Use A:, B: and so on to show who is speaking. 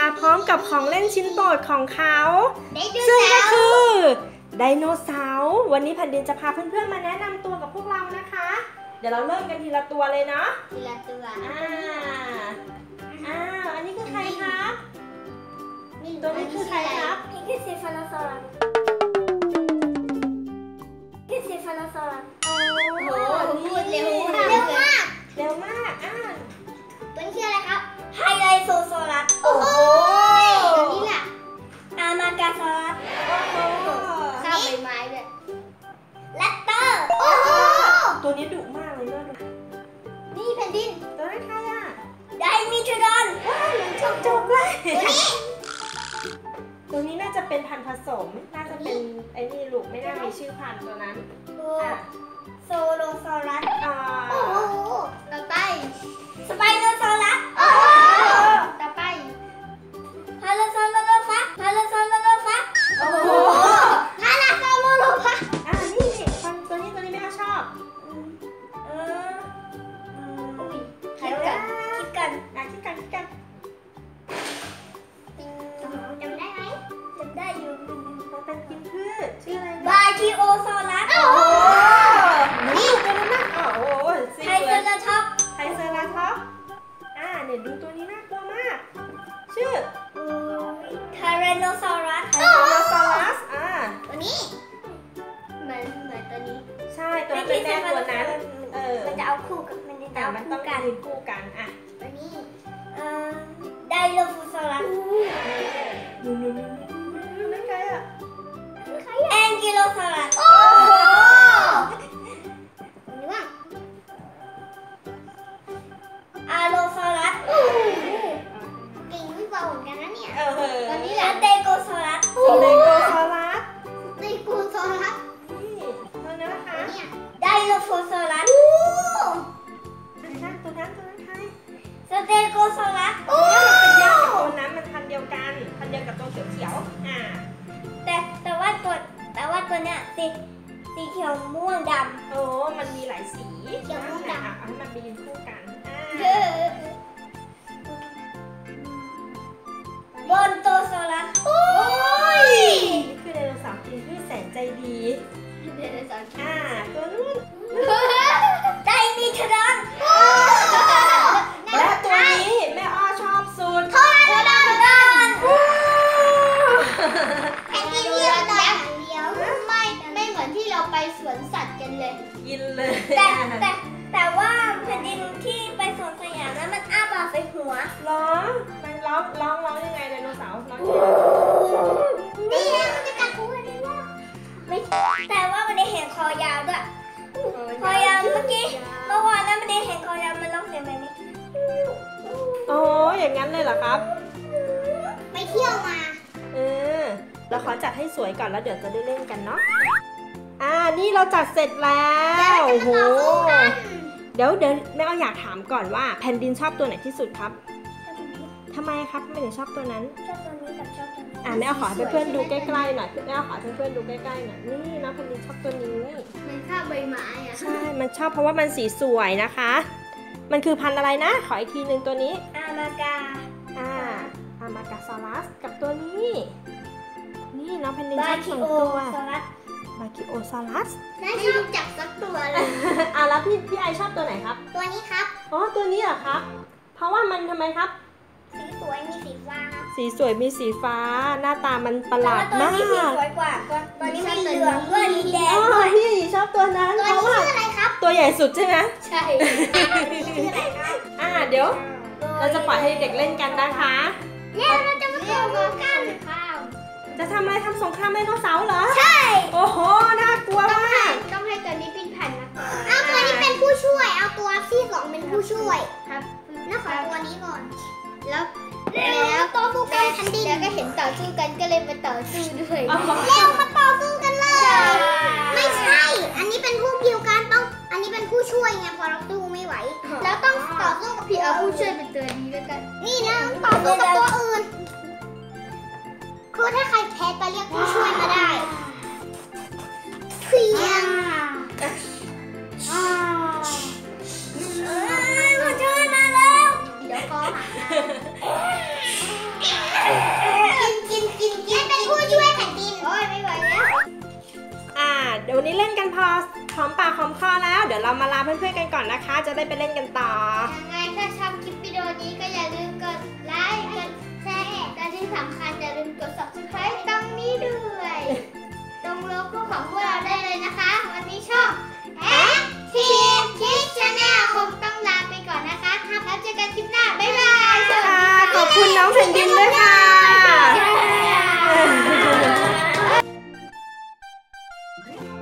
A: พร้อมกับของเล่นชิ้นโปรดของเขาซึ่งก็คือไดโนเสาร์วันนี้แผ่นดินจะพาเพื่อนๆมาแนะนำตัวกับพวกเรานะคะเดี๋ยวเราเริ่มกันทีละตัวเลยเนาะ
B: ทีละตัว
A: อันนี้คือใครครับตัวนี้คือใครครับ
B: นี่คือเซฟาโลซอรัสนี่เซฟาโลซอรัส
A: โอ้โห
B: พูดเร็วมากตัวนี้ชื่ออะไรครับไฮไลโซซอรัส
A: โอ้โห
B: ตัวนี้แหละอามากาซอรัสข้าวใบไม้ด้วยแรปเตอร์โอ้โห
A: ตัวนี้ดุมากเลยเนาะ
B: นี่แผ่นดิน
A: ตัวนั้นใครอ่ะ
B: ไดมิทรอน
A: เหมือนจบเลยตัวนี้น่าจะเป็นพันธุ์ผสมน่าจะเป็นไอ้นี่ลูกไม่น่ามีชื่อพันธุ์ตัวนั้น
B: โซโลซอรัส
A: โอ้โห
B: ต่อไปสไปโนซอรัสต่อไปพาราซอโลโลฟัสโอ้โหพาราซอโลโลฟัส
A: นี่ตัวนี้ไม่ชอบ
B: คิดกัน
A: คิดกัน
B: จำได้ไหมจำได้อยู่
A: มันเป็นกินพืชชื่ออะไร
B: บาคิโอซอรัส
A: นี่ตัวนั้นน่ะโอ้โห
B: ไทเซอราท็อป
A: เนี่ยดูตัวนี้น่ากลัวมากชื่อ
B: ทาราโนซอรัสตัวนี้เหมือนตัวนี้
A: ใช่ตัวเป็นแม่ตัวนั้น
B: มันจะเอาคู่กันมัน
A: ต้องการยืนคู่กัน
B: ตัวนี้ไดโลฟูซอรัส
A: นั่นใครอ่ะ
B: แองกิโลซอรัสนี่ว่าอาโลซอรัสเก่งไม่เบาเหมือนกันนะเนี่ยตอนนี้แหละเตโกซอรัส
A: นี่ตัวนั้นนะคะ
B: ไดโลโฟซอรัส
A: ตัวนั้นใคร
B: สเตโกซอรัส
A: เป็นเดียวกับตัวนั้นมันพันเดียวกันพันเดียวกับตัวเขียว
B: แต่ว่าตัวเนี้ยสีเขียวม่วงดำ
A: มันมีหลายสี
B: เขียวม่วงดำ
A: ให้มันไปยืนคู่กัน
B: บนโตซอรัส
A: นี่คือไดโนเสาร์กินพืชแสนใจดีตัวนู้น
B: ไดมิทรอน
A: และตัวนี้แม่อ้อชอบสุด
B: โทรานแผ่นดินเดียวไม่เหมือนที่เราไปสวนสัตว์กันเลย
A: กินเลย
B: แต่ว่าแผ่นดินที่ไปสวนสยามนั้นมันอ้าปากใส่หัว
A: มันร้องยังไงไดโนเสาร์ร้อง
B: นี่มันจะกัดหัวได้ว่าแต่ว่ามันได้เห็นคอยาวด้วยคอยาวเมื่อวานนั้นมันได้เห็นคอยาวมันร้องเสียงแบบนี้
A: อย่างนั้นเลยเหรอครับ
B: ไปเที่ยวมา
A: เราขอจัดให้สวยก่อนแล้วเดี๋ยวจะได้เล่นกันเนาะนี่เราจัดเสร็จแล้วโอ้โหเดี๋ยวแม่ก็อยากถามก่อนว่าแผ่นดินชอบตัวไหนที่สุดครับทำไมครับไม่ถึงชอบตัวนั้น
B: ชอบตัวนี้กับชอบตัวนี้
A: แม่ขอให้เพื่อนๆดูใกล้ๆหน่อยแม่ขอให้เพื่อนๆดูใกล้ๆหน่อยนี่นะแผ่นดินชอบตัวนี้
B: มันชอบใบไม้
A: ใช่มันชอบเพราะว่ามันสีสวยนะคะมันคือพันธุ์อะไรนะขออีกทีนึงตัวนี้
B: อามาก
A: าซอรัสกับตัวนี้นี่น้องแผ่นดินชอบ2ตัวบาคิโอซอรัส
B: ไม่รู้จักสักตัวเลย
A: แล้วพี่ไอชอบตัวไหนครับ
B: ตัวนี้ครับ
A: ตัวนี้เหรอครับเพราะว่ามันทำไมครับ
B: สีสวยมีสีฟ้า
A: สีสวยมีสีฟ้าหน้าตามันประหลาดมาก
B: ตัวนี้สีสวยกว่าตัวนี้มีเหลืองด้วยมีแดง
A: พี่ชอบตัวนั้น
B: เพราะว่าอะไรครับ
A: ตัวใหญ่สุดใช่ไหม
B: ใช่ชื่ออะไรครับ
A: เดี๋ยวเราจะปล่อยให้เด็กเล่นกันนะคะ
B: เราจะมาต่อกัน
A: จะทำอะไรทำสงครามไดโนเสาร์เหรอ
B: ใช่
A: โอ้โหน่ากลัวมาก
B: ต้องให้ตัวนี้เป็นแผ่นนะเอาตัวนี้เป็นผู้ช่วยเอาตัวที่2เป็นผู้ช่วยครับน่าขอตัวนี้ก่อนแล้วต่อสู้กันแผ่นดินแล้วก็เห็นต่อสู้กันก็เลยมาต่อสู้ด้วยเร็วมาต่อสู้กันเลยไม่ใช่อันนี้เป็นผู้พิวการต้องอันนี้เป็นผู้ช่วยไงพอเราสู้ไม่ไหวแล้วต้องต่อสู้กับพี่เอาผู้ช่วยเป็นตัวนี้แล้วกันนี่นะต่อสู้กับตัวอื่นคือถ้าใครแพ้ไปเรียกผู้ช่วยมาได้เพียงผู้ช่วยมาแล้วเดี๋ยวก็หา
A: พอหอมปากหอมคอแล้วเดี๋ยวเรามาลาเพื่อนๆกันก่อนนะคะจะได้ไปเล่นกันต่อ
B: ยังไงถ้าชอบคลิปวิดีโอนี้ก็อย่าลืมกดไลค์กดแชร์และที่สำคัญอย่าลืมกด subscribe ตรงนี้ด้วยตรงโลโก้ของพวกเราได้เลยนะคะวันนี้ช่อง Active Kids Channel คงต้องลาไปก่อนนะคะแล้วเจอกันคลิปหน้าบ๊ายบายสวัสดีค่ะ
A: ขอบคุณน้องแผ่นดินด้วยค่ะ